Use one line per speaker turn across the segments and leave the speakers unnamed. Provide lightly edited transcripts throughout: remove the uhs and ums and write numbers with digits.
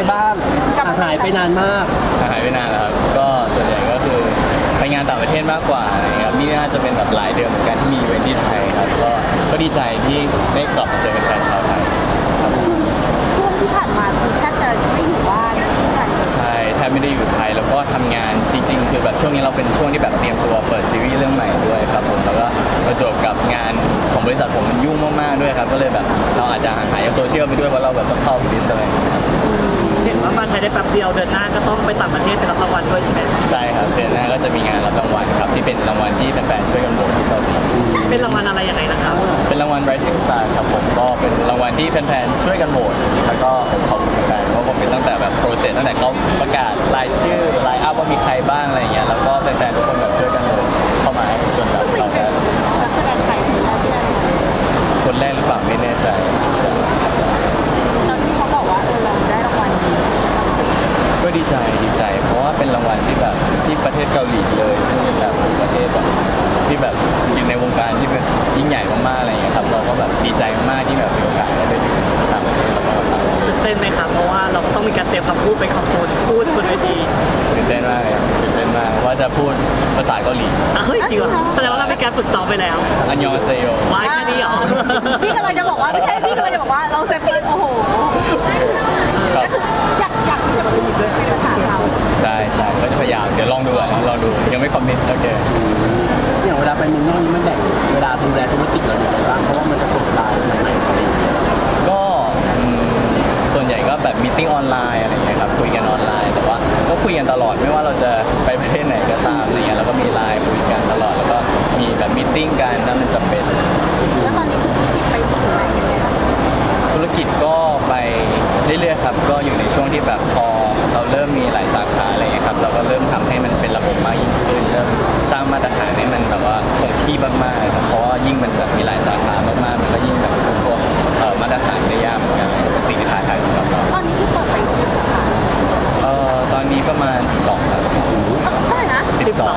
บ้างหายไปนานมาก
หายไปนานแล้วครับก็ส่วนใหญ่ก็คือไปงานต่างประเทศมากกว่าครับนี่น่าจะเป็นแบบหลายเดือนเหมือนกันที่มีอีเวนท์ที่ไทยครับก็ดีใจที่ได้กลับมาเจอแฟนชาวไทย
ช่วงที่ผ่านมาคือแทบจะไม่อยู่บ้านที่ไทย
ใช่แทบไม่ได้อยู่ไทยแล้วก็ทำงานจริงๆคือแบบช่วงนี้เราเป็นช่วงที่แบบเตรียมตัวเปิดซีรีส์เรื่องใหม่ด้วยครับผมแล้วก็ประจวบกับงานของบริษัทผมมันยุ่งมากๆด้วยครับก็เลยแบบเราอาจจะห่างหายจากโซเชียลไปด้วยเพราะเราแบบต้องเข้าฟิตอะไร
เห็นว่ามาไทยได้แป๊บเดียวเดือนหน้าก็ต้องไปต่างประเทศไปรับรางวัลด้วยใช่ไหม
ใช่ครับเดือนหน้าก็จะมีงานรับรางวัลครับที่เป็นรางวัลที่แฟนๆช่วยกันโหวตที่เกาหลี
เป็นรางวัลอะไรยังไงนะครับ
เป็นรางวัล Rising Star ครับผมก็เป็นรางวัลที่แฟนๆช่วยกันโหวตแล้วก็ผมขอบคุณแฟนเพราะผมเป็นตั้งแต่แบบโปรเซสตั้งแต่เขาประกาศรายชื่อไลน์อัพว่ามีใครบ้างอะไรอย่างเงี้ยแล้วก็แฟนๆทุกคนแบบช่วยกันโหวตเข้ามาจนแบบ
ซึ่งเป็นนักแสดงไทยคนแรกที่ได้
คนแรกหรือเปล่าไม่แน่ใจ
ตอนที่เขาบอกว่าเราได้รางวัลนี้
ก็ดีใจเพราะว่าเป็นรางวัลที่แบบที่ประเทศเกาหลีเลยเป็นแบบประเทศแบบที่แบบอยู่ในวงการที่เป็นยิ่งใหญ่มากๆอะไรอย่างเงี้ยครับเราก็แบบดีใจมากที่แบบมีโอกาสได้ไปถึงต่างประเทศแล้วก็
ตื่นเต้นไหมครับเพราะว่าเราก็ต้องมีการเตรียมคำพูดไปขอบคุณพูดบนเวที
ตื่นเต้นมากว่าจะพูดภาษาเกาหลี
เฮ้ยจริงเหรอแสดงว่าเรามีการฝึกซ้อมไปแล้ว
อันยองเซโย
ไว้แค่นี้เหรอ
พี่กำลังจะบอกว่าไม่ใช่พี่กำลังจะบอกว่าเราเซฟเปิลโอ้โหก็คืออยากที่จะพูดเป็นภาษาเขา
ใช่ก็จะพยายามเดี๋ยวลองดูยังไม่คอมเมนต์โอเค
อย่างเวลาไปเมืองนอกนี่มันแบ่งเวลาดูแลธุรกิจเราอย่างไรบ้างเพราะว่ามันจะเปิดไลน์ใหม่ๆอะไรอย่างเงี้ย
ก็ส่วนใหญ่ก็แบบมีติ้งออนไลน์อะไรอย่างเงี้ยครับคุยกันออนไลน์แต่ว่าก็คุยกันตลอดไม่ว่าเราจะไปประเทศไหนก็ตามอะไรเงี้ยเราก็มีไลน์คุยกันตลอดแล้วก็มีแบบมีติ้งกันถ้ามันจำเป็น
แล้วตอนนี้คือธุรกิจไปถึงไหนยังไงครับ
ธุรกิจก็ไปเรื่อยๆครับก็อยู่ในช่วงที่แบบพอเราเริ่มมีหลายสาขาอะไรเงี้ยครับเราก็เริ่มทำให้มันเป็นระบบมากยิ่งขึ้นเริ่มสร้างมาตรฐานให้มันแบบว่าคงที่มากๆครับเพราะว่ายิ่งมันแบบมีหลายสาขามากๆมันก็ยิ่งแบบพวกมาตรฐานได้ยากเหมือนกันเป็นสิ่งที่ท้าทายสำหรับเรา
ตอนนี้ที่เปิดไปกี่สาขา
ตอนนี้ประมาณ12ครับ
เท่าไหร่นะ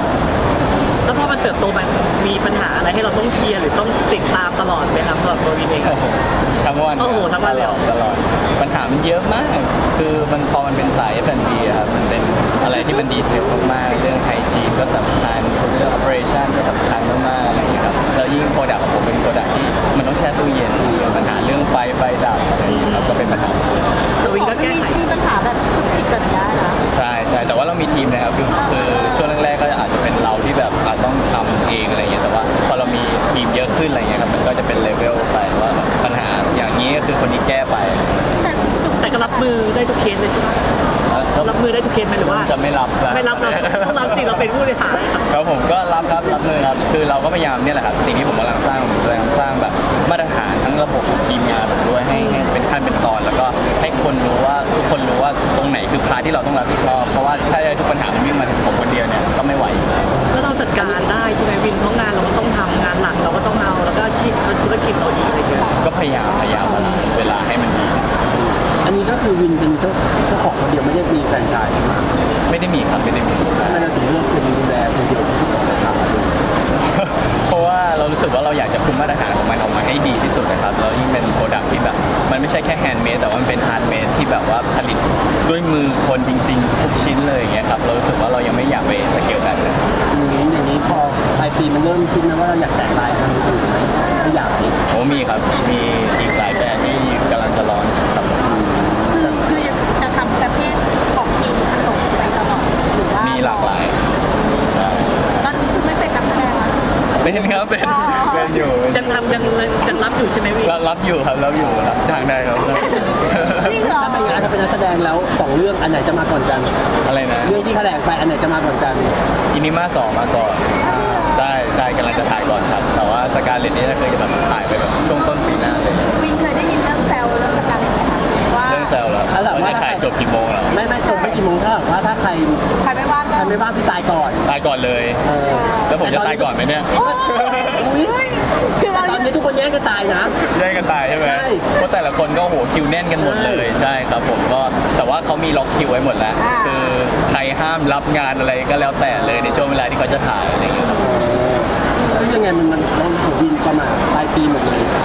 12แล้วพอมันเติบโตมันมีปัญหาอะไรให้เราต้องเคลียร์หรือต้องติดตามตลอดไหมครับสำหรับตัววินเอง
ทั้งวัน
ทั้งวันเลย
ตลอดปัญหามันเยอะมากคือมันพอมันเป็นสาย F&B ครับมันเป็นอะไรที่มันดีเทลมากๆเรื่องไฮจีนก็สำคัญเรื่อง operation ก็สำคัญมากๆอะไรอย่างเงี้ยครับแล้วยิ่งโปรดักต์ของผมเป็นโปรดักต์ที่มันต้องแช่ตู้เย็นปัญหาเรื่องไฟดับอะไรอย่างเงี้ยครับก็เป็นปัญหา
ตัววินก็แก้ไข
มีปัญหาแบบตุกติกแบบนี้นะ
ใช่แต่ว่าเรามีทีมนะครับคือช่วงแรกๆก็อาจจะเป็นเราที่แบบอาจต้องทำเองอะไรเงี้ยแต่ว่าพอเรามีทีมเยอะขึ้นอะไรเงี้ยครับมันก็จะเป็นเลเวลไปว่าปัญหาอย่างนี้ก็คือคนนี้แก้ไป
แต่ก็รับมือได้ทุกเคสเลยใช่ไหมรับมือได้ทุกเคสไหมหรือว่า
จะไม่รับ
เราต้องรับสิเราเป็นผู้บริหาร
ครับผมก็รับมือครับคือเราก็พยายามเนี่ยแหละครับสิ่งที่ผมกำลังสร้างแบบมาตรฐานทั้งระบบทีมงานแบบด้วยให้เป็นขั้นเป็นตอนแล้วก็ให้คนรู้ว่าทุกคนรู้ว่าตรงไหนคือพาร์ทที่เราต้องรับผิดชอบเพราะว่าถ้าทุกปัญหามันวิ่งมาถึงผมคนเดียวเนี่ยก็ไม่ไหว
แล้วเราจัดการได้ใช่ไหมวินเพราะงานเราก็ต้องทำงานหลักเราก็ต้องเอาแล้วก็อาชีพธุรกิจเราอีกอะไรเงี้ย
ก็พยายามเวลาให้มันดี
อันนี้ก็คือวินเป็นเจ้าของคนเดียวไม่ได้มีแฟรนไชส์ใช่ไหม
ไม่ได้มีครับไม่ได้มี
ทำไมเราถึงเลือกเป็นดูแลคนเดียวทุกสาขา
เพราะว่าเรารู้สึกว่าเราอยากจะคุมมาตรฐานของมันออกมาให้ดีที่สุดนะครับแล้วยิ่งเป็นโปรดักที่แบบมันไม่ใช่แค่แฮนด์เมดแต่ว่ามันเป็นฮาร์ดเมดที่แบบว่าผลิตด้วยมือคนจริงๆทุกชิ้นเลยอย่างเงี้ยครับเรารู้สึกว่าเรายังไม่อยากไปสเกลแบบนั้น
อย่างนี้พอปลายปีมันเริ่มคิดนะว่าเราอยากแต่งลายทางอื่นไหมไม่อยาก
โอ้มีครับมีอีกหลายแบรนด์ที่กำลังจะร้อนครับ
คือจะทำประเภทของกินขนมไปตลอดหรือว่า
มีหลากหลาย
ตอนนี้คือไม่เป็นนักแสดงแล้ว
เป็นครับเป็นอยู่
ยังรับอยู่ใช่ไหมพี่
รับอยู่ครับรับจ้างได้ครับ
จริงเหรอ
ถ้าเป็นงานถ้าเป็นนักแสดงแล้ว2เรื่องอันไหนจะมาก่อนกัน
อะไรนะ
เรื่องที่แถลงไปอันไหนจะมาก่อนกัน
อินิมา2มาก่อนใช่กำลังจะถ่ายก่อนครับแต่ว่าสการเลตนี่เคยแบบถ่ายไปแบบช่วงต้นปีหน้าเลย
วินเคยได้ยินเรื่องแซลเรื่องสการเลตไหมคะว่า
เรื่องแซลแล้วว่าจะถ่ายจบกี่โมงแล้ว
ไม่จบไม่กี่โมงถ้าใคร
ไม่ว่าง
พี่ตายก่อน
เลยแล้วผมจะตายก่อนไหมเนี่ย
คือตอนนี้ทุกคนแย่งกันตายนะ
แย่งกันตายใช่ไหมเพราะแต่ละคนก็โหคิวแน่นกันหมดเลยใช่ครับผมก็แต่ว่าเขามีล็อกคิวไว้หมดแล้วคือใครห้ามรับงานอะไรก็แล้วแต่เลยในช่วงเวลาที่เขาจะถ่ายอะไรอย่างเงี้ย
ซึ่งยังไงมันของวินประมาณปลายปีหมดเลย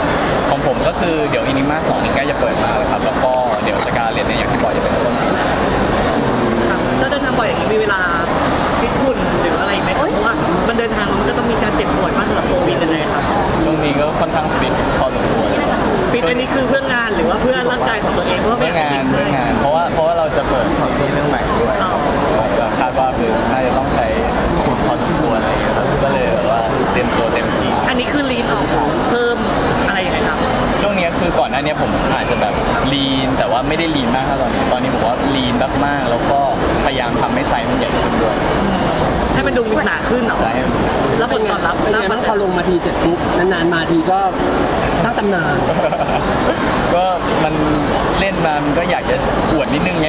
ของผมก็คือเดี๋ยวอินิมา2นี่ใกล้จะเปิดมาแล้วครับแล้วก็เดี๋ยวสกาเลตเนี่ยอย่างที่บอกจะเป็นต้นปีหน้า
ครับถ้าเดินทางบ่อยอย่างนี้มีเวลาฟิตหุ่นหรืออะไรไหมครับเพราะว่ามันเดินทางมันก็ต้องมีการเจ็บป่วยมากสำหรับโควิดยังไงครับ
ช่วงนี้ก็ค่อนข้างฟิตพอสมควร
ฟิตอันนี้คือเพื่องานหรือว่าเพื่อร่างกายของตัวเองเพราะว่า
เพื่
ไม่
อ
อยาก
งาน
ติด
เพื่
เล
อย งานเพราะว่าเราจะเปิดคอนเสิร์ตเรื่องใหม่ด้วย
อ๋อ
ก็คาดว่าคือน่าจะต้องใช้ทุนพอสมควรอะไรอย่างเงี้ยครับก็เลยแบบว่าเตรียมตัวเต็มที่
อันนี้คือลีนออกเพิ่มอะไรยังไงครับ
ช่วงนี้คือก่อนหน้านี้ผมอาจจะแบบลีนแต่ว่าไม่ได้ลีนมากเท่าตอนนี้ผมว่าลีนมากๆแล้วก็พยายามทำให้ไซส์มันใหญ่ขึ้นด้วย
ให้มันดูหนาขึ้นเหรอ
ไซส์ให้มัน
แล้วผลตอบรับ
เป็นไงบ้างพอลงมาทีเสร็จปุ๊บนานๆมาทีก็สร้างตำนาน
ก็มันเล่นมามันก็อยากจะอวดนิดนึงไง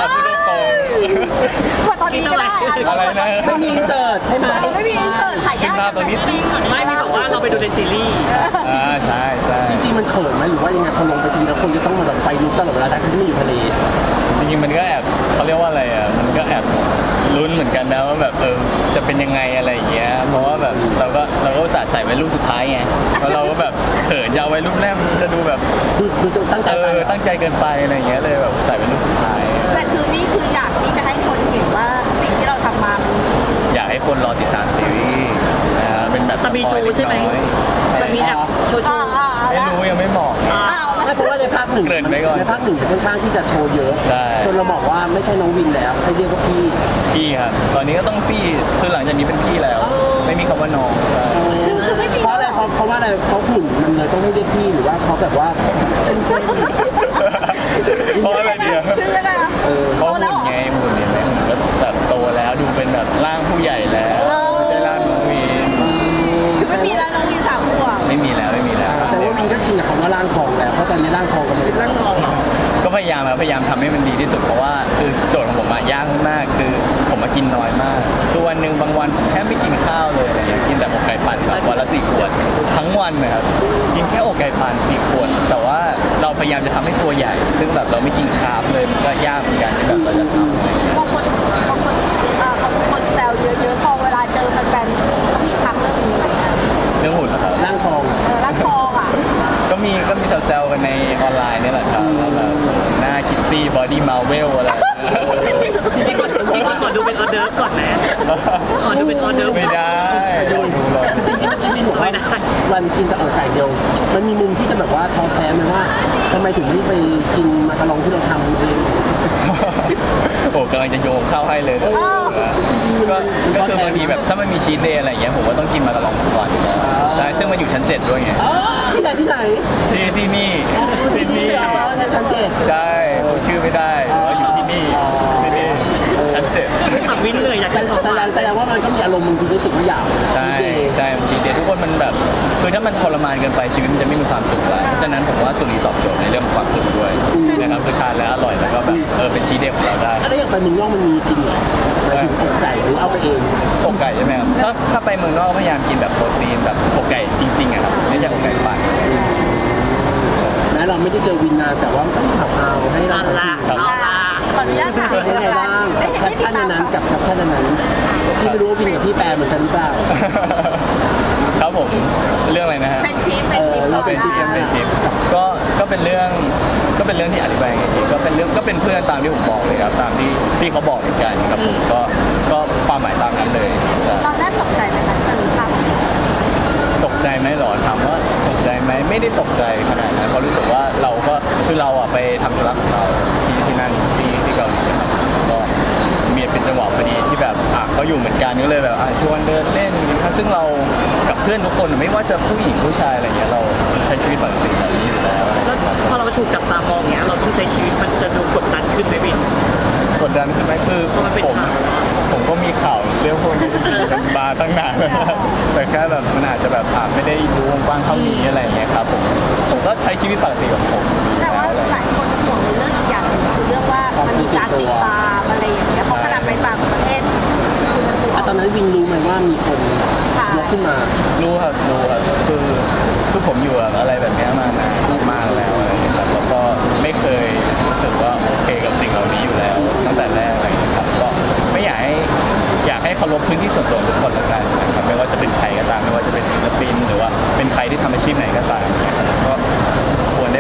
พูดตรง
กดตอนนี้ก็ได้อ่ะ
อะไรนะ
ไม่มีอินเสิร์ตใช่ไหม
ไม่มีอินเสิร์ตถ่าย
ขึ้
ยาน ก
ภาพตรงนี้ติ๊ง
ไม่มีบอกว่าเราไปดูในซีรีส์
ใช่ใช่
จริงๆมันเขินไหมหรือว่ายังไงพอลงไปทีแล้วคนจะต้องมาแบบไฟลุกตลอดเวลาทั้งที่ไม่อยู่ทะเล
จริงๆมันก็แอบเขาเรียกว่าอะไรอ่ะมันก็แอบลุ้นเหมือนกันนะว่าแบบจะเป็นยังไงอะไรอย่างเงี้ยเพราะว่าแบบเราก็อุตส่าห์ใส่ไว้รูปสุดท้ายไงแล้วเราก็แบบเขินจะเอาไว้รูปแรกมันจะดูแบบ
ดูตั้งใจไป
ตั้งใจเกินไปอะไรอย่างเงี้ยเลยแบบใส่เป็นรูปสุดท้าย
แต่คือนี่คืออยากที่จะให้คนเห็นว่าสิ่งที่เราทำมามัน
อยากให้คนรอติดตามซีรีส์เป็นแบบ
จะมีโชว์ใช่ไหมจะมีแอบโชว์
เอา
ไม่
ละ
รู้ยังไม่บอก
เอาละ
ไม่เพราะว่าในภาคหนึ่ง
เกริ่นไว้ก่อน
ในภาคหนึ่งจะค่อนข้างที่จะโชว์เยอะ
ใช่
จนเราบอกว่าไม่ใช่น้องวินแล้วให้เรียกว่าพี่
พี่ครับตอนนี้ก็ต้องพี่คือหลังจากนี้เป็นพี่แล้ว ไม่มีคำว่าน้องใช่
คือไม่มี
เพราะอะไรเพราะว่าอะไรเพราะหุ่นมันเลยต้องให้เรียกพี่หรือว่าเพราะแบบว่าเข้มข้น
เพราะอะไรเดียว
คือยังไงอ่ะ
เพราะหุ่นไงหุ่นเห็นไหมหุ่นก็แบบโตแล้วดูเป็นแบบร่างผู้ใหญ่แล้วไม่ใช่ร่างน้องวีน
คือไม่มีแล้วน้องวี3 ขวบ
ไม่มีแล้วไม่มีแล้ว
แสดงว่าวินก็ชินกับคำว่าร่างทองแล้วเพราะตอนนี้ร่างทองก็ไม่ได้
ร่างทองเหรอ
ก็พยายามทำให้มันดีที่สุดเพราะว่าคือโจทย์ของผมอะยากมากคือผมมากินน้อยมากคือวันหนึ่งบางวันผมแทบไม่กินข้าวเลยอะไรอย่างเงี้ยกินแต่อกไก่ปั่นแบบวันละ4 ขวดทั้งวันนะครับกินแค่อกไก่ปั่น4 ขวดแต่ว่าเราพยายามจะทำให้ตัวใหญ่ ซึ่งแบบเราไม่กินคาร์บเลยมันก็ยากเหมือนกันที่แบบเราจะทำอะไรอย่างเงี้ย
บางคนเขาคนแซวเยอะๆพอเวลาเจอแฟนๆเขามีทักเรื่องนี้ไหมอ่ะ
เรื่องหุ่นนะครับ
ร่างทองอะ
รักทองอ่ะ
ก็มีแซวๆกันในออนไลน์เนี่ยแหละครับว่าแบบหน้าคิตตี้บอดี้มาเวลอะไรอย่างเงี้ย
พี่ขอดูเป็นออเดิร์ฟก่อนนะขอดูเป็นออเดิร์ฟ
ไม่ได้ดูหรอก
จริงๆเมื่อกี้วินบอกว่า
ไม่ได้
วันกินแต่อกไก่เดียว มันมีมุมที่จะแบบว่าท้อแท้ไหมว่าทำไมถึงไม่ไปกินมาการองที่เราทำเอง
โอ้กำลังจะโยงเข้าให้เลย
จริงๆ
ก็
มัน
คือบางทีแบบถ้ามันมีชีทเดย์อะไรอย่างเงี้ยผมก็ต้องกินมาตลอดก่อนอยู่แล้วใช่ซึ่งมันอยู่ชั้น 7 ด้วยไง
อ๋อที่ไหนที่ไหน
ที่นี่ที่นี่
ในชั้นเจ็ด
ใช่พูดชื่อไม่ได้ว่าอยู่ที่นี่ที่นี่ชั้น 7
สับวินเลยอยากจะขอ
แสดงว่ามันก็มีอารมณ์บางทีรู้สึกว่าอยาก
ใช่
ชีทเดย์
ใช่มันชีทเดย์ทุกคนมันแบบคือถ้ามันทรมานเกินไปชีวิตมันจะไม่มีความสุขแล้วเพราะฉะนั้นผมว่าสุรีตอบโจทย์ในเรื่องของความสุขด้วยนะครับคือทานแล้วอร่อยแล้วก็แบบเป็นชีทเดย์ของเราได้
แล้วอย่างไปเมืองนอกมันมีกินเหรอหมายถึงอกไก่หรือเอาไปเอง
อกไก่ใช่ไหมครับถ้าไปเมืองนอกพยายามกินแบบโปรตีนแบบอกไก่จริงๆอะครับไม่ใช่อกไก่ปั่น
แม้เราไม่ได้เจอวินนานแต่ว่ามันก็มีข่าวๆให้เรา
เอาละเอาละ
ขออนุญาตถาม
เป็นยังไงบ้างกับแคปชั่นในนั้นกับแคปชั่นในนั้นพี่ไม่รู้ว่าวินกับพี่แปลเหมือนกันหรือเปล่า
ครับผมเรื่องอะไรนะฮะ
เป็นชีฟก่อน
เป็นชิป
นะ
เป็นชิปก็เป็นเรื่องที่อธิบายไงดีก็เป็นเพื่อนตามที่ผมบอกเลยครับตามที่เขาบอกเหมือนกันครับผมก็ความหมายตามนั้นเลยใช่
ตอนแรกตกใจไหมคะตอนนี้ภาพ
ตกใจไหมหรอถามว่าตกใจไหมไม่ได้ตกใจขนาดนั้นเพราะรู้สึกว่าเราก็คือเราอะไปทำธุระของเราที่นั่นที่เกาหลีนะครับก็มีเป็นจังหวะพอดีที่แบบเขาอยู่เหมือนกันก็เลยแบบชวนเดินเล่นซึ่งเรากับเพื่อนทุกคนไม่ว่าจะผู้หญิงผู้ชายอะไรเงี้ยเราใช้ชีวิตปกติแบบนี้อยู่แล้ว
แล้วพอเราไปถูกจับตามองเงี้ยเราต้องใช้ชีวิตมันจะดูกดดันขึ้นไหมวิน
กดดันขึ้นไหมคือ
เพราะมันเป็น
ผม
ข่าว
ผมก็มีข่าวเรื่องพวกนี้มาตั้งนานแล้วแต่แค่แบบมันอาจจะแบบไม่ได้รู้กว้างเท่านี้อะไรอย่างเงี้ยครับผมก็ใช้ชีวิตปกติของผม
แต่ว่าหลายคนห่วงในเรื่องอีกอย่างหนึ่งคือเรื่องว่ามันมีการติดตามอะไรอย่างเงี้ยเพราะขนาดไปต่างประเทศคุณยัง
ตอนนั้นวินรู้ไหมว่ามีคนยกขึ้นมา
รู้ครับคือผมอยู่กับอะไรแบบเนี้ยมานานมากๆแล้วอะไรอย่างเงี้ยครับแล้วก็ไม่เคยรู้สึกว่าโอเคกับสิ่งเหล่านี้อยู่แล้วตั้งแต่แรกอะไรอย่างเงี้ยครับก็ไม่อยากให้เคารพพื้นที่ส่วนตัวของทุกคนละกันนะครับไม่ว่าจะเป็นใครก็ตามไม่ว่าจะเป็นศิลปินหรือว่าเป็นใครที่ทำอาชีพไหนก็ตามเนี่ยครับก็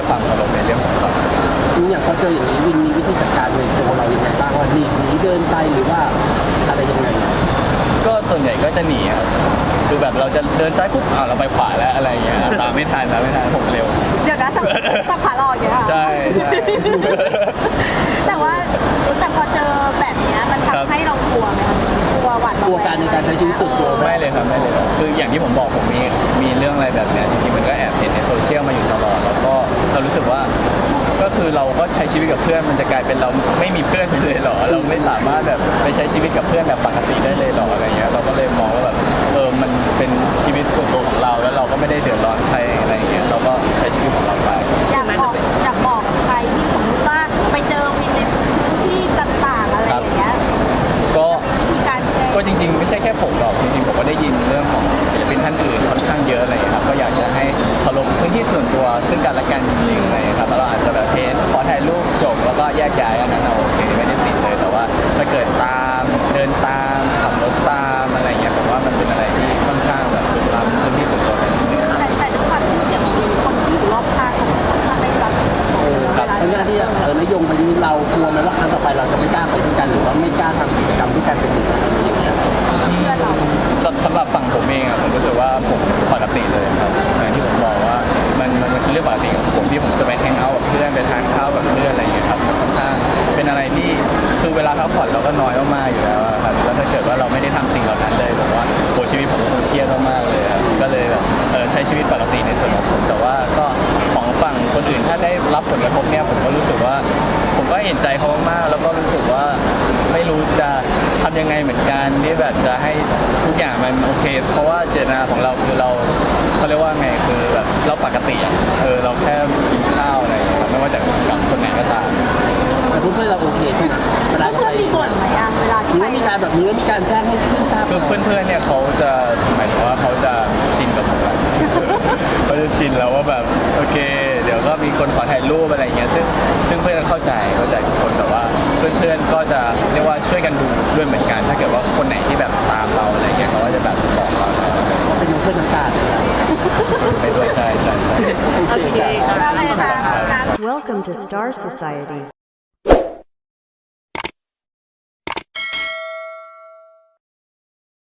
ด้วยความเคารพในเรื่องของความ
อย่างพอเจออย่างนี้วินมีวิธีจัดการในตัวเรายังไงบ้างว่าหนีเดินไปหรือว่าอะไรยังไง
ก็ส่วนใหญ่ก็จะหนีครับคือแบบเราจะเดินซ้ายปุ๊บเราไปขวาแล้วอะไรอย่างเงี้ยตามไม่ทันผมเร็ว
เดี๋ยวนะสับขาหลอกอย่างเงี้ยค่ะ
ใช่ใช่
แต่พอเจอแบบเนี้ยมัน
ครับ
ทำให้เรากลัวไหมคะกลัวหวาด
กลัวการในการใช้ชีวิตส่วนตัว
ไม่เลยครับไม่เลยครับคืออย่างที่ผมบอกผมมีเรื่องอะไรแบบเนี้ยจริงๆมันก็แอบเห็นในโซเชียลมาอยู่ตลอดแล้วก็เรารู้สึกว่าก็คือเราก็ใช้ชีวิตกับเพื่อนมันจะกลายเป็นเราไม่มีเพื่อนไปเลยเหรอเราไม่สามารถแบบไปใช้ชีวิตกับเพื่อนแบบปกติได้เลยเหรออะไรเงี้ยเราก็เลยมองว่าแบบมันเป็นชีวิตส่วนตัวของเราแล้วเราก็ไม่ได้เดือดร้อนใครอะไรเงี้ยเราก็ใช้ชีวิตของเราไป
อยากบอกใครที่สมมุติว่าไปเจอวินในพื้นที่ต่างๆอะไรอย่างเงี้ย
ก็
มีวิธีการแก้
ก็จริงๆไม่ใช่แค่ผมหรอกจริงๆผมก็ได้ยินเรื่องของศิลปินท่านอื่นค่อนข้างเยอะอะไรอย่างเลยครับก็อยากจะให้เคารพพื้นที่ส่วนตัวซึ่งกันและกันจริงๆอะไรอย่างเลยครับแล้วเราอาจจะแบบขอถ่ายรูปจบแล้วก็แยกย้ายอันนั้นเราโอเคไม่ได้ติดเลยแต่ว่าถ้าเกิดตามเดินตามขับรถตามอะไรอย่างเงี้ยผมว่ามันเป็นอะไรที่ค่อนข้างแบบลุกล้ำพื้นที่ส่วนตัวกันนิดนึง
แต่ด้วยความชื่อเสียงของวินคนที่อยู่รอบข้างเขาค่อนข้างได้รับเวลา
ทั้งนั้นที่นายงไปนี้เรากลัวไหมว่าครั้งต่อไปเราจะไม่กล้าไปด้วยกันหรือว่าไม่กล้าทำกิจกรรมด้วยกันเป็นหมู่คณะอย่างเงี้ย
เพื่อนเรา
สำหรับฝั่งผมเองอะผมรู้สึกว่าผมปกติเลยครับอย่างที่ผมบอกว่ามันคือเรื่องปกติของผมที่ผมจะไปแฮงเอาท์กับเพื่อนไปทานข้าวกับเพื่อนอะไรอย่างเงี้ยครับมันค่อนข้างเป็นอะไรที่คือเวลาพักผ่อนเราก็น้อยมากๆอยู่แล้วอะครับแล้วถ้าเกิดว่าเราไม่ได้ทำสิ่งเหล่านั้นเลยผมว่าโหชีวิตผมคงเครียดมากๆเลยครับก็เลยแบบใช้ชีวิตปกติในส่วนของผมแต่ว่าก็ของฝั่งคนอื่นถ้าได้รับผลกระทบเนี่ยผมก็รู้สึกว่าผมก็เห็นใจเขามากๆแล้วก็รู้สึกว่าไม่รู้จะทำยังไงเหมือนกันที่แบบจะให้ทุกอย่างมันโอเค เพราะว่าเจตนาของเราคือเขาเรียกว่าไงคือแบบเราปกติอ่ะเราแค่กินข้าวอะไรอย่างเงี้ยครับไม่ว่าจะกับคนไหนก็ตาม
แต่เพื่อนๆเราโอเคใช่ไหมเวลา
เพื่อนมีบ่นไหมอะเวลาที่
หรือ
ไป
ว่ามีการแบบนี้แล้วมีการแจ้งให้เพื่อนทราบ
คือเพื่อนๆเนี่ยเขาจะหมายถึงว่าเขาจะชินกับผมแล้วเขาจะชินแล้วว่าแบบโอเค เดี๋ยวก็มีคนขอถ่ายรูปอะไรอย่างเงี้ยซึ่งเพื่อนเข้าใจทุกคนแต่ว่าเพื่อนๆก็จะเรียกว่าช่วยกันดูด้วยเหมือนกัน ถ้าเกิดว่าคนไหนที่แบบตามเราอะไรเงี้ยเขาก็จะแบบบอกเรา
เป็นเพื่อนทั้งการ
ไปด้วยใช่
โอเค
โอเค
ครับ
ครับ
อะไรคะ
Welcome to Star Society.